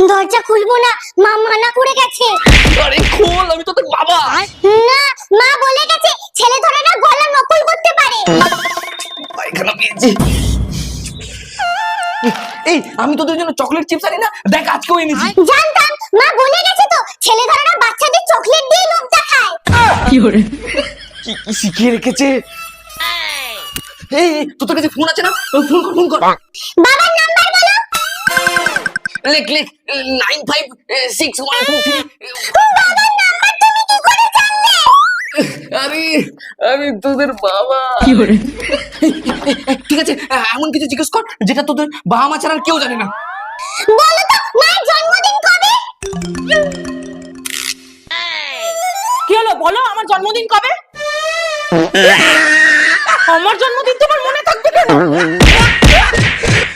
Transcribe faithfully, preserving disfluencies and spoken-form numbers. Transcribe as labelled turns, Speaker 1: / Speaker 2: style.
Speaker 1: দরজা খুলবো না, মা মানা করে গেছে।
Speaker 2: আরে খোল, আমি তো তোর বাবা।
Speaker 1: না, মা বলে গেছে ছেলে ধরে না গলা নকল করতে পারে।
Speaker 2: পায়খানা পেয়েছি। এই আমি তোদের জন্য চকলেট চিপস আনি না, দেখ আজকেও এনেছি।
Speaker 1: জানতাম, মা বলে গেছে তো ছেলে ধরে না বাচ্চাদের চকলেট দিয়ে লোভ দেখায়।
Speaker 2: কি করে কি কি শিখিয়ে রেখেছে। এই তোর কাছে ফোন আছে না, ফোন কর ফোন কর।
Speaker 1: বাবার নাম্বার বলো।
Speaker 2: লেখ লেখ nine five six one two three.
Speaker 1: বাবার নাম্বার তুমি কি করে জানলে?
Speaker 2: আরে আমি তোদের বাবা। কি করে ঠিক আছে, এমন কিছু জিজ্ঞেস কর যেটা তোদের বাবা মা ছাড়া আর কেউ জানে না।
Speaker 1: বলো তো মায়ের জন্মদিন কবে?
Speaker 3: কি হলো বলো, আমার জন্মদিন কবে? আমার জন্মদিন তোমার মনে থাকবে কেন?